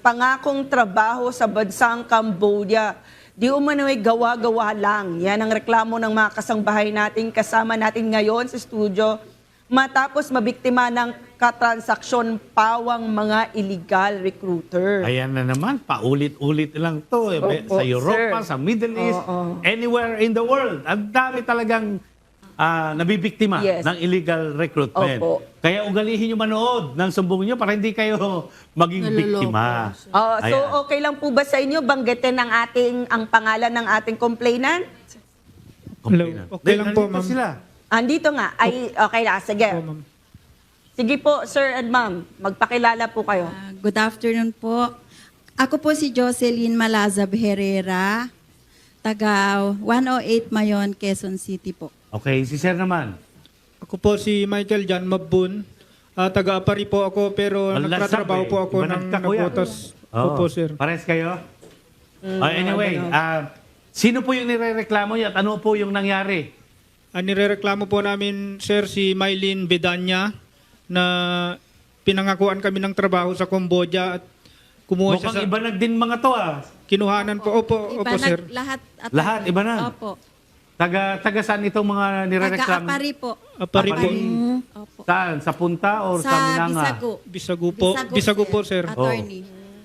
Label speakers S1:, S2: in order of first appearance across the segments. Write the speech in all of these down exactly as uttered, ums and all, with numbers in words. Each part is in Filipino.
S1: pangakong trabaho sa bansang Cambodia. Di umano'y gawa-gawa lang. Yan ang reklamo ng mga kasangbahay natin kasama natin ngayon sa studio matapos mabiktima ng katransaksyon pawang mga illegal recruiter.
S2: Ayan na naman, paulit-ulit lang to. Eh.
S1: Opo,
S2: sa Europa,
S1: sir.
S2: sa Middle East,
S1: Oo.
S2: anywhere in the world. Ang dami talagang ah, nabibiktima
S1: Yes.
S2: ng illegal recruitment.
S1: Opo.
S2: Kaya ugalihin nyo manood ng sumbong nyo para hindi kayo maging biktima.
S1: Oh, so
S2: Ayan.
S1: okay lang po ba sa inyo banggitin ang ating ang pangalan ng ating complainant?
S2: Complainant.
S3: Okay lang po,
S2: Nandito
S3: ma'am.
S2: sila.
S1: Andito nga. Ay okay lang, sige.
S3: Po, ma'am.
S1: Sige po, sir and ma'am, magpakilala po kayo.
S4: Ah, good afternoon po. Ako po si Jocelyn Malazab Herrera, taga one oh eight Mayon, Quezon City po.
S2: Okay, si Sir naman.
S3: Ako po si Michael Jan Mabun. Ah, taga-Apari po ako pero
S2: Ang
S3: nagtatrabaho
S2: lasap,
S3: po
S2: eh.
S3: ako
S2: Iba
S3: ng
S2: nagkakuya.
S3: nabotas.
S2: Oo.
S3: Opo, sir.
S2: Pares kayo? Ah, anyway, ah, sino po yung nirereklamo niyo at ano po yung nangyari?
S3: Ang nirereklamo po namin, sir, si Mylene Bedanya na pinangakuan kami ng trabaho sa Cambodia at kumuha siya
S2: Mukhang
S3: sa
S2: iba na din mga to ah.
S3: kinuhanan po. Opo,
S4: Iba
S3: opo,
S4: na-
S3: sir.
S4: Lahat, at
S2: Lahat, iba na?
S4: Opo.
S2: Taga, taga saan itong mga nirereklamo?
S4: Taga-Apari po.
S3: Apari po.
S2: Apari.
S4: Opo.
S2: Saan? Sa Punta or sa,
S4: Sa
S2: Minanga?
S4: Bisago.
S3: Bisagu po. Bisagu po, sir.
S4: Attorney.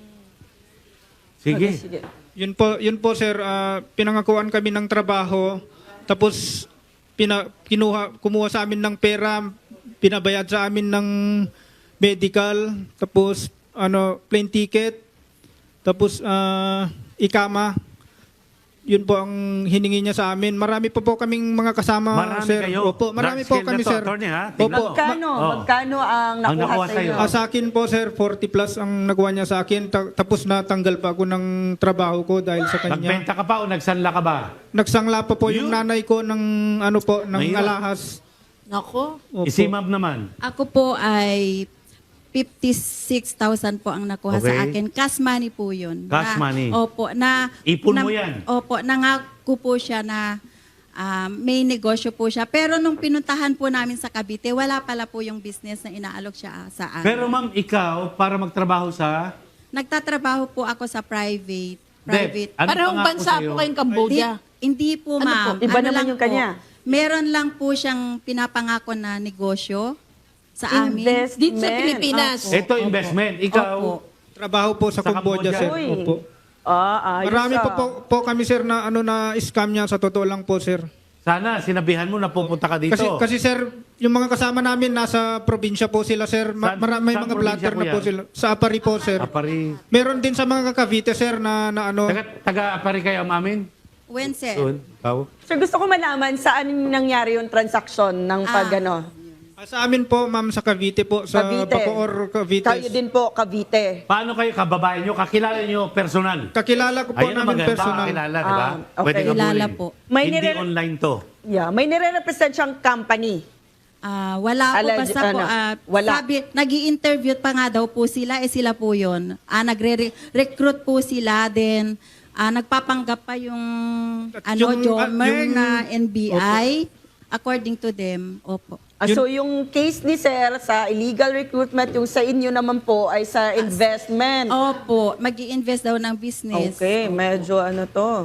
S2: Sige.
S1: Sige.
S3: Yun po, yun po sir, ah, pinangakuan kami ng trabaho, tapos pina, kinuha, kumuha sa amin ng pera, pinabayad sa amin ng medical, tapos ano, plane ticket, tapos ah, ikama. Yun po ang hiningi niya sa amin. Marami pa po kaming mga kasama,
S2: Marami
S3: sir.
S2: kayo.
S3: Opo,
S2: Large
S3: marami po
S2: scale
S3: kami,
S2: na to,
S3: sir.
S2: attorney, ha?
S3: Opo.
S2: Tingnan mo.
S1: Magkano?
S2: Ma- oh.
S1: Magkano ang
S2: Ang
S1: nakuha,
S2: nakuha
S1: sa
S2: sa'yo?
S1: inyo?
S3: Ah, sa akin po, sir, forty plus ang nakuha niya sa akin. Ta- tapos natanggal pa ako ng trabaho ko dahil sa kanya.
S2: Nagbenta ka pa o nagsanla ka ba?
S3: Nagsangla pa po yung
S2: Yun.
S3: nanay ko ng ano po, ng
S2: Mahirap.
S3: alahas.
S5: Nako.
S3: Opo.
S2: Isimab naman.
S4: Ako po ay fifty-six thousand po ang nakuha
S2: Okay.
S4: sa akin. Cash money po yun.
S2: Cash
S4: Na-
S2: money.
S4: Opo. Na,
S2: Ipon
S4: na-
S2: mo yan.
S4: Opo. Nangako po siya na ah, may negosyo po siya. Pero nung pinuntahan po namin sa Cavite, wala pala po yung business na inaalok siya ah, sa amin.
S2: Pero ma'am, ikaw, para magtrabaho sa...
S4: Nagtatrabaho po ako sa private. Private.
S2: Deb, ano
S5: Parehong
S2: pangako
S5: bansa
S2: sa'yo?
S5: po kayong Cambodia.
S4: Hindi, hindi po,
S5: Ano
S4: ma'am.
S5: po?
S1: Iba naman
S4: lang
S1: yung kanya.
S4: Po, meron lang po siyang pinapangako na negosyo sa amin.
S1: Investment.
S5: Dito sa Pilipinas.
S4: Opo.
S2: Ito, investment. Ikaw,
S4: Opo.
S3: Trabaho po sa,
S2: Sa
S3: Cambodia,
S2: Cambodia.
S3: sir.
S1: Uy.
S3: Opo.
S1: Ah, ayos
S3: Marami
S1: ah.
S3: po, po, po kami, sir, na ano na scam niya. Sa totoo lang po, sir.
S2: sana sinabihan mo na pupunta ka dito.
S3: Kasi, kasi sir, yung mga kasama namin nasa probinsya po sila, sir. Ma-
S2: Saan-
S3: mara- may
S2: saan
S3: mga
S2: probinsya
S3: blatter
S2: po
S3: na po
S2: yan?
S3: sila. Sa Apari po, sir.
S2: Apari.
S3: Meron din sa mga Cavite, sir, na, na ano.
S2: Taga, taga Apari kayo, amin?
S4: When, sir?
S2: Doon. Ikaw?
S1: Sir, gusto ko malaman saan nangyari yung transaksyon ng pag
S4: Ah.
S1: ano?
S3: Ah, Sa amin po, ma'am, sa Cavite po. Sa
S1: Cavite.
S3: Bacoor, Cavite.
S1: Kayo din po, Cavite.
S2: Paano kayo kababayan nyo? Kakilala nyo personal?
S3: Kakilala ko po
S2: Ayun ang
S3: namin
S2: maganda,
S3: personal.
S2: kakilala, di ba?
S1: Ah, okay.
S2: Pwede ka
S4: Kilala
S2: bulin.
S4: po.
S1: May
S2: Hindi
S1: nire-
S2: online to.
S1: Yeah, may nire-represent siyang company.
S4: Ah, wala po,
S1: Alleg-
S4: basta po,
S1: ano,
S4: ah,
S1: wala.
S4: sabi, nag interview pa nga daw po sila, eh sila po yun. Ah, nagre-recruit po sila, then ah, nagpapanggap pa yung,
S3: At
S4: ano,
S3: yung-
S4: Jomer
S3: ah, yung-
S4: na N B I, according to them. Opo.
S1: Ah, so yung case ni Sir sa illegal recruitment, yung sa inyo naman po ay sa investment.
S4: Opo, mag invest daw ng business.
S1: Okay, medyo ano to.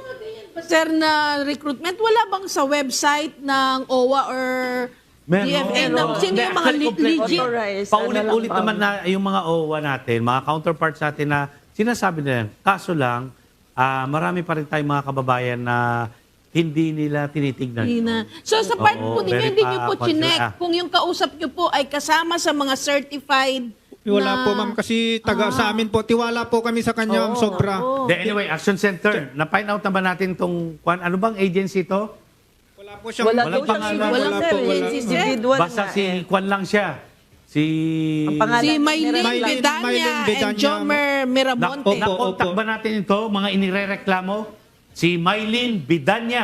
S5: Sir, na recruitment, wala bang sa website ng O W A or
S2: Meron.
S5: D F A?
S2: Meron.
S5: Na, sino
S2: Hindi,
S5: yung mga
S2: actually,
S5: le-
S2: complete.
S5: legit?
S1: Authorized,
S2: Paulit-ulit
S1: ano lang,
S2: naman na yung mga O W A natin, mga counterparts natin na sinasabi nila yan. Kaso lang, ah, marami pa rin tayong mga kababayan na hindi nila tinitignan.
S5: Hindi na. So sa part
S2: Oo,
S5: po ninyo,
S2: very
S5: hindi nyo po
S2: pa-
S5: chinek
S2: ah.
S5: kung yung kausap nyo po ay kasama sa mga certified
S3: Wala
S5: na...
S3: po, ma'am, kasi taga sa amin po. Tiwala po kami sa kanya, ma'am, sobra.
S5: Oo.
S2: The, anyway, Action Center, na-find out na ba natin itong, kwan- ano bang agency to?
S3: Wala po siyang
S1: Wala
S2: Walang
S1: daw siyang
S2: pangalan.
S1: individual,
S5: Walang
S1: sir.
S5: po,
S1: eh.
S5: wala.
S1: Individual
S2: Basta
S1: nga
S2: si
S1: eh.
S2: Kwan lang siya. Si...
S1: Ang pangalan
S5: Si
S1: ng
S5: Mylene
S1: nireklamo.
S3: Mylene-
S5: Bedanya
S3: Mylene
S5: and
S3: Bedanya,
S5: Jomer
S2: Na,
S5: Miramonte.
S3: Opo.
S2: na-contact ba natin ito, mga inirereklamo? Si Mylene Bidanya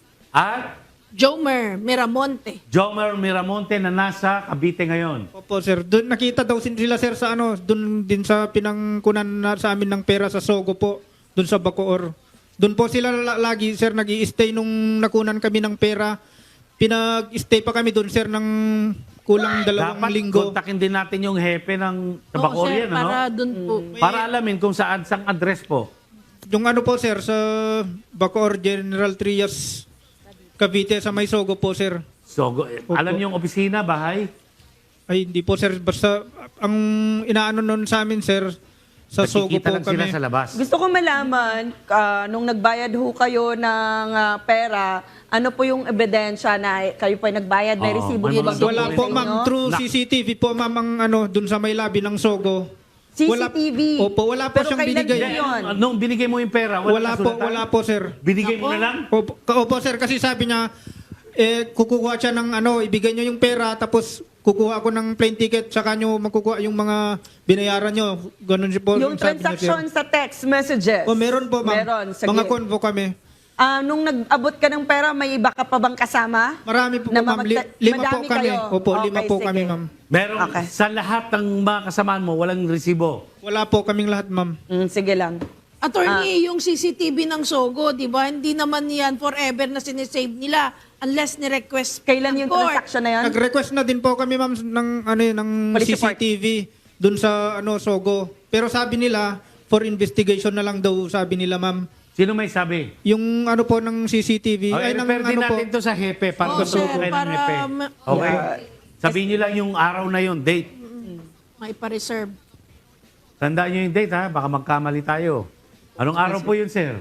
S2: at
S5: Jomer Miramonte.
S2: Jomer Miramonte na nasa Cavite ngayon.
S3: Opo, sir. Doon nakita daw sin- sila, sir, sa ano, doon din sa pinangkunan na sa amin ng pera sa Sogo po, doon sa Bacoor. Doon po sila la- lagi, sir, nag-i-stay nung nakunan kami ng pera. Pinag-stay pa kami doon, sir, ng kulang dalawang
S2: Dapat
S3: linggo.
S2: kontakin din natin yung hepe ng sa
S5: Oo,
S2: Bacoor
S5: sir,
S2: yan, ano?
S5: para dun po.
S2: Para alamin kung saan sang address po.
S3: Yung ano po sir, sa Bacoor General Trias, Cavite, sa Maysogo po sir.
S2: So, go- eh, alam niyo yung opisina, bahay?
S3: Ay, hindi po sir, basta ang inaano nun sa amin sir, sa Sogo
S2: Nakikita
S3: po
S2: lang sila
S3: kami.
S2: sa labas.
S1: Gusto ko malaman, ah, nung nagbayad ho kayo ng ah, pera, ano po yung ebidensya na kayo po ay nagbayad, may
S2: Oo,
S1: resibo
S2: may
S1: po
S2: mga
S1: ba
S3: Wala
S1: sa
S3: po
S1: inyo?
S3: ma'am, through
S2: Na-
S3: C C T V po ma'am ang ano, dun sa may labi ng Sogo.
S1: C C
S3: Wala-
S1: T V.
S3: Opo, wala po
S1: Pero
S3: siyang
S1: kailan
S3: binigay.
S1: po yun?
S2: Eh, Nung binigay mo yung pera, wala,
S3: Wala po,
S2: kasulatan?
S3: wala po sir.
S2: Binigay mo na lang?
S3: Opo, ka- opo sir, kasi sabi niya, eh, kukuha siya ng ano, ibigay niyo yung pera, tapos kukuha ako ng plane ticket, saka niyo makukuha yung mga binayaran niyo. Ganun siya po.
S1: Yung
S3: sabi niya, sir.
S1: transaction sa text messages.
S3: O meron po ma'am.
S1: Meron. Sige.
S3: Mga convo kami.
S1: Ah, nung nag-abot ka ng pera, may iba ka pa bang kasama?
S3: Marami po
S1: Na
S3: ma'am. Li-
S1: mamagta-
S3: lima po
S1: madami
S3: kami.
S1: kayo?
S3: Opo,
S1: Okay,
S3: lima po
S1: sige.
S3: kami ma'am.
S2: Meron,
S1: Okay.
S2: sa lahat ng mga kasamaan mo, walang resibo.
S3: Wala po kaming lahat ma'am.
S1: Mm, sige lang.
S5: Attorney,
S1: Ah.
S5: yung C C T V ng Sogo, di ba? Hindi naman yan forever na sinisave nila unless ni-request
S1: Kailan
S5: ng
S1: yung
S5: court.
S1: transaction na yan?
S3: Nag-request na din po kami ma'am ng ano yun, ng
S1: Police
S3: C C T V dun sa ano Sogo. Pero sabi nila for investigation na lang daw, sabi nila ma'am.
S2: Sino may sabi?
S3: Yung ano po ng C C T V
S2: Okay,
S3: ay ng
S2: refer din
S3: ano po.
S2: natin to sa hepe para
S5: Oo,
S2: gusto
S5: sir,
S2: kayo ng
S5: para
S2: hepe.
S5: ma-
S2: Okay?
S1: Yeah.
S2: Sabihin niyo lang yung araw na yun, date.
S5: May pa-reserve.
S2: Tandaan niyo yung date, ha? Baka magkamali tayo. Anong araw po yun, sir?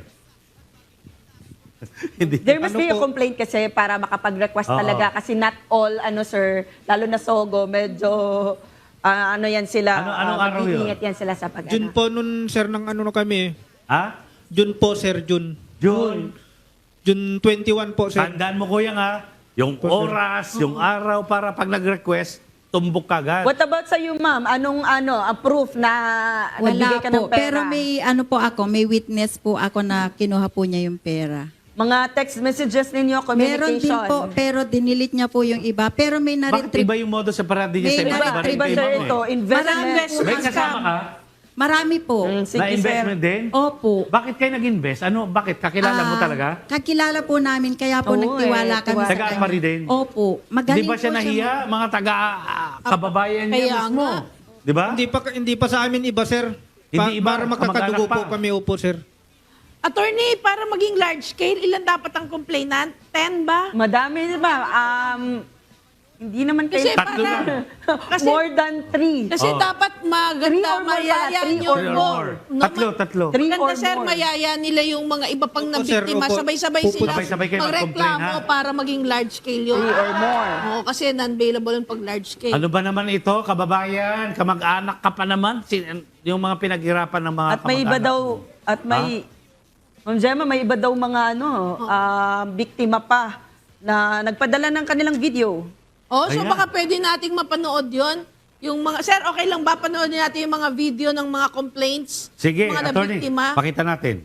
S2: Hindi.
S1: There must
S3: Ano
S1: be a
S3: po?
S1: complaint kasi para makapag-request
S2: Oo.
S1: talaga kasi not all, ano sir, lalo na Sogo, medyo, ah, ano yan sila,
S2: Ano- anong
S1: ah,
S2: araw yun?
S1: mag-iingat yan sila sa pag
S3: June po nun sir ng ano na kami.
S2: Ha?
S3: June po sir, June.
S2: June.
S3: June twenty-one po sir.
S2: Tandaan mo, kuya, ha? Yung
S3: Po, sir.
S2: oras, yung araw para pag nag-request, tumbok ka agad.
S1: What about sa you, ma'am? Anong ano, ang proof na nagbigay
S4: Wala
S1: ka ng
S4: po.
S1: pera?
S4: Pero may ano po ako, may witness po ako na kinuha po niya yung pera.
S1: Mga text messages ninyo,
S4: Meron din
S1: communication.
S4: po, pero dinilit niya po yung iba. Pero may
S2: Bakit
S4: na-retrieve.
S2: iba yung modo sa parade niya sa
S4: May
S2: iba?
S1: Iba,
S2: Iba rin
S1: iba
S2: kay
S1: sir
S2: ma'am,
S1: ito,
S2: eh.
S1: investment.
S5: Marami.
S2: May kasama ka?
S4: Marami po.
S1: Mm, sige,
S2: Na investment
S1: sir.
S2: din?
S4: Opo.
S2: Bakit kayo nag-invest? Ano, bakit? Kakilala mo
S4: Ah,
S2: talaga?
S4: Kakilala po namin, kaya po
S1: Oo,
S4: nagtiwala
S1: eh,
S4: kami
S1: tiwala.
S4: sa
S2: Taga
S4: kanya.
S2: Apari din?
S4: Opo. Magaling
S2: Di ba siya
S4: po
S2: nahiya? Mga taga ah, kababayan niya
S5: Kaya
S2: mismo.
S5: nga.
S2: Di ba?
S3: Hindi pa hindi pa sa amin iba sir.
S2: Hindi iba,
S3: para magkakadugo
S2: kamag-anak
S3: po
S2: pa.
S3: kami opo sir.
S5: Attorney, para maging large scale, ilan dapat ang complainant? ten ba?
S1: Madami, di ba? Um, hindi naman
S5: Kasi
S1: kayo...
S2: Tatlo
S5: para,
S2: lang.
S5: kasi,
S1: More than three.
S5: kasi
S2: Oh.
S5: dapat
S1: Three
S5: maganda,
S1: or more
S5: mayaya
S1: pala, three
S5: nyo
S1: or
S2: Three or
S5: po.
S2: more.
S5: No,
S2: Tatlo,
S5: ma-
S2: tatlo.
S1: Three
S5: Maganda
S1: or
S5: sir,
S1: more.
S5: mayaya nila yung mga iba pang
S3: Opo, sir,
S5: nabiktima.
S3: opo.
S5: Sabay-sabay
S3: Opo,
S5: sila
S2: sabay-sabay kayo mag-complain,
S5: magreklamo
S2: ha?
S5: para maging large scale yun.
S1: Three or more.
S5: Oo, kasi non-bailable yung pag large scale.
S2: Ano ba naman ito, kababayan? Kamag-anak ka pa naman? Sin- yung mga pinaghirapan ng mga
S1: At may iba
S2: kamag-anak
S1: daw,
S2: mo.
S1: at may, Ma'am Gemma, may iba daw mga ano, ah, biktima pa na nagpadala ng kanilang video.
S5: Oh, so
S2: Ayan.
S5: baka pwede nating mapanood yon. Yung mga, sir, okay lang ba panoodin natin yung mga video ng mga complaints?
S2: Sige,
S5: mga
S2: attorney,
S5: nabiktima?
S2: pakita natin.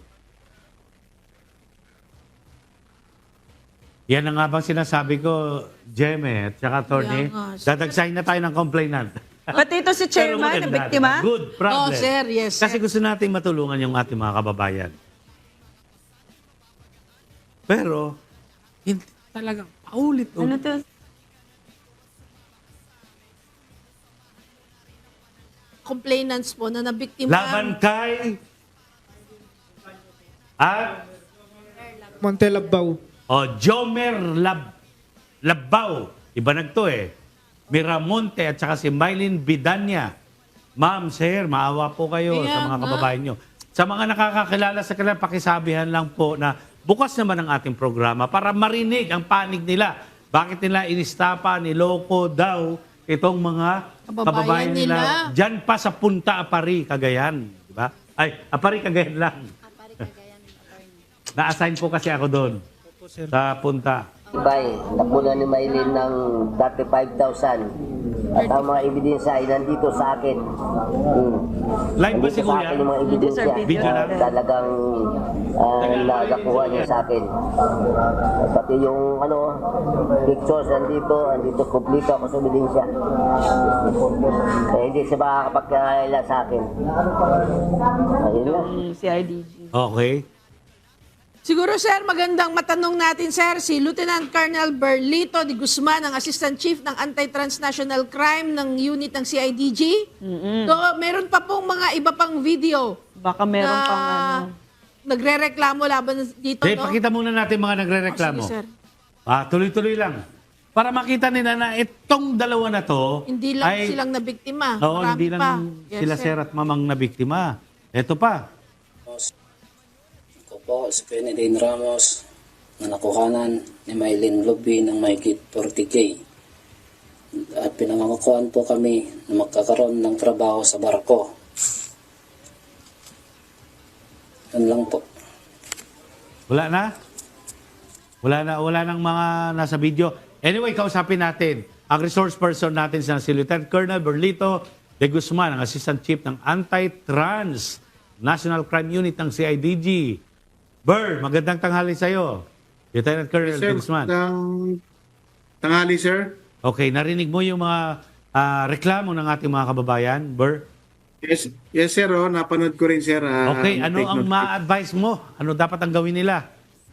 S2: Yan ang nga bang sinasabi ko, Jeme, at saka attorney,
S5: Kaya nga, sir.
S2: dadagsahin na tayo ng complainant.
S1: Pati ito si
S2: Pero
S1: chairman, na
S2: maganda,
S1: biktima.
S2: diba? Good problem.
S5: Oh, sir, yes,
S2: Kasi
S5: sir.
S2: gusto nating matulungan yung ating mga kababayan. Pero, hindi talagang paulit-ulit.
S1: Ano to?
S5: Complainants po na nabiktima.
S2: Laban kay at
S3: Montelabaw.
S2: o Jomer Lab Labaw. Iba nagto eh. Miramonte at saka si Mylene Bidanya. Ma'am, sir, maawa po kayo
S5: Kaya
S2: sa mga
S5: nga.
S2: kababayan nyo. Sa mga nakakakilala sa kanila, pakisabihan lang po na bukas naman ang ating programa para marinig ang panig nila. Bakit nila inistapa, niloko daw itong mga
S5: Kababayan
S2: kababayan nila.
S5: nila.
S2: Diyan pa sa Punta Apari, Cagayan. Di ba? Ay, Apari, Cagayan lang. Na-assign po kasi ako doon
S3: Opo sir.
S2: sa Punta.
S6: Bay, napunan ni Maylin ng thirty-five thousand. At ang mga ebidensya ay nandito sa akin. Hmm.
S2: Live ba si
S6: Nandito sa
S2: Kuya?
S6: akin yung mga ebidensya
S2: Video
S6: na
S2: lang?
S6: talagang uh, nagakuha niya sa akin. Pati yung ano, pictures nandito, nandito kumplito ako sa ebidensya. Kaya hindi siya makakapagkaila sa akin. Ayun lang.
S1: Yung C I D G.
S2: Okay.
S5: Siguro, sir, magandang matanong natin, sir, si Lieutenant Colonel Berlito de Guzman, ang Assistant Chief ng Anti-Transnational Crime ng unit ng C I D G. So, meron pa pong mga iba pang video
S1: Baka meron
S5: na
S1: pang ano.
S5: nagre-reklamo laban dito,
S2: Okay,
S5: no?
S2: pakita muna natin mga nagre-reklamo.
S5: Oh, sige, sir.
S2: Ah, tuloy-tuloy lang. Para makita nila na itong dalawa na to
S5: Hindi lang
S2: ay,
S5: silang nabiktima.
S2: Oo,
S5: Marami
S2: hindi lang
S5: pa. Yes,
S2: sila
S5: sir.
S2: sir at mamang na biktima. Ito pa.
S7: Ako po si Kennedy Ramos na nakuhanan ni Maylin Lobby ng mahigit forty K. At pinangangakuan po kami na magkakaroon ng trabaho sa barko. Yan lang po.
S2: Wala na? Wala na, wala nang mga nasa video. Anyway, kausapin natin ang resource person natin sa si Lieutenant Colonel Berlito de Guzman, ang Assistant Chief ng Anti-Trans National Crime Unit ng C I D G. Ber, magandang tanghali sa'yo. Lieutenant Colonel de
S8: Sir,
S2: Guzman.
S8: ng tanghali, sir.
S2: Okay, narinig mo yung mga ah, reklamo ng ating mga kababayan, Ber?
S8: Yes, yes sir. Oh, napanood ko rin, sir. ah,
S2: Okay, ano
S8: take
S2: ang
S8: note.
S2: ma-advise mo? Ano dapat ang gawin nila?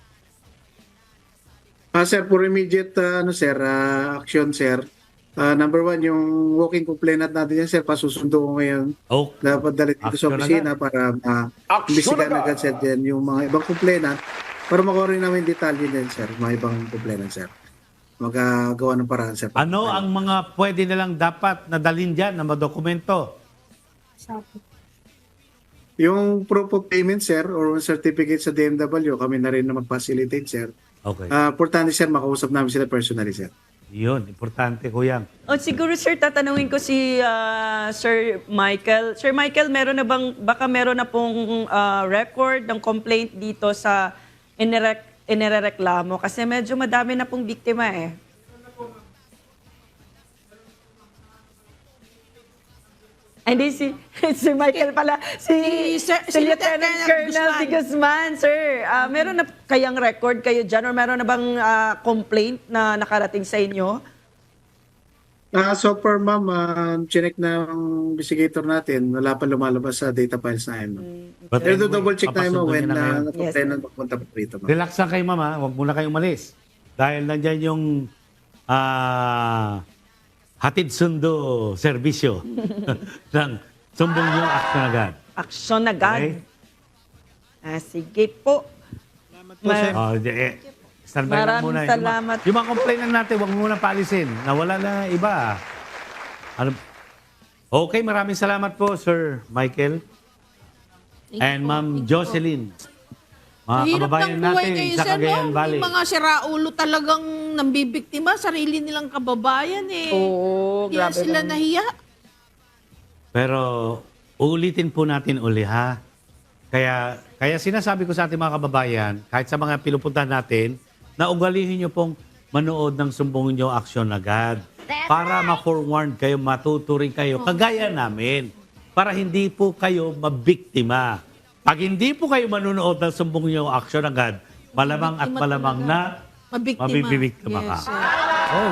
S8: Ah, sir, for immediate uh, ano, sir, ah, action, sir. Ah, number one, yung walking complainant natin yan, sir, pasusundo ko ngayon.
S2: Oh,
S8: Dapat dali dito sa
S2: Action
S8: opisina para ma-imbestigahan agad, sir, din yung mga ibang complainant para makuha rin namin detalye din, sir, mga ibang complainant, sir. Magagawa ng paraan, sir.
S2: ano ang mga pwede nilang dapat nadalin dyan na madokumento?
S8: Yung proof of payment, sir, or certificate sa D M W, kami na rin na mag-facilitate, sir.
S2: Okay.
S8: Ah, importante, sir, makausap namin sila personally, sir.
S2: Yun, importante ko yan.
S1: O siguro sir, tatanungin ko si ah, Sir Michael. Sir Michael, meron na bang, baka meron na pong ah, record ng complaint dito sa inirek, inireklamo? Kasi medyo madami na pong biktima eh. Ay, Hindi, si, si Michael pala. Si,
S5: Si Sir-
S1: si
S5: si
S1: Lieutenant
S5: Lieutenant
S1: Colonel
S5: Guzman.
S1: de Guzman. Sir, ah, meron na kayang record kayo dyan or meron na bang ah, complaint na nakarating sa inyo?
S8: Ah, so far, ma'am, uh, chinek ng investigator natin, wala pa lumalabas sa data files na yun. ma'am.
S2: But
S8: Pero
S2: anyway,
S8: double check tayo, ma'am,
S2: papasundo
S8: when
S2: niyo na
S8: uh,
S2: ngayon.
S8: na-complainant magpunta pa rito, ma'am.
S2: Relax lang kayo, mama. Huwag muna kayong umalis. Dahil nandyan yung ah, hatid sundo serbisyo ng sumbong nyo action agad.
S1: Aksyon agad.
S2: Okay?
S1: Ah, sige po. Ma-
S2: Oh, di- eh, standby lang
S1: Maraming
S2: muna. Yung
S1: salamat.
S2: mga- Yung mga complainant natin, huwag muna paalisin. Nawala na iba. Ano? Okay, maraming salamat po, Sir Michael. And Ma'am Jocelyn. Mga
S5: Hirap
S2: kababayan
S5: ng buhay
S2: natin
S5: ngayon,
S2: sa
S5: sir,
S2: Cagayan
S5: no?
S2: Valley.
S5: May mga siraulo talagang nambibiktima, sarili nilang kababayan eh.
S1: Oo,
S5: Hindi
S1: grabe
S5: sila
S1: naman.
S5: nahiya.
S2: Pero ulitin po natin uli ha. Kaya kaya sinasabi ko sa ating mga kababayan, kahit sa mga pinupuntahan natin, na ugalihin nyo pong manood ng sumbong nyo aksyon agad. Para ma-forewarn kayo, matuturing kayo, kagaya namin. Para hindi po kayo mabiktima. Pag hindi po kayo manonood ng sumbong nyo aksyon agad, malamang at
S5: Biktima
S2: malamang
S5: talaga.
S2: na
S5: Mabiktima.
S2: mabibiktima ka.
S5: Yes, sir.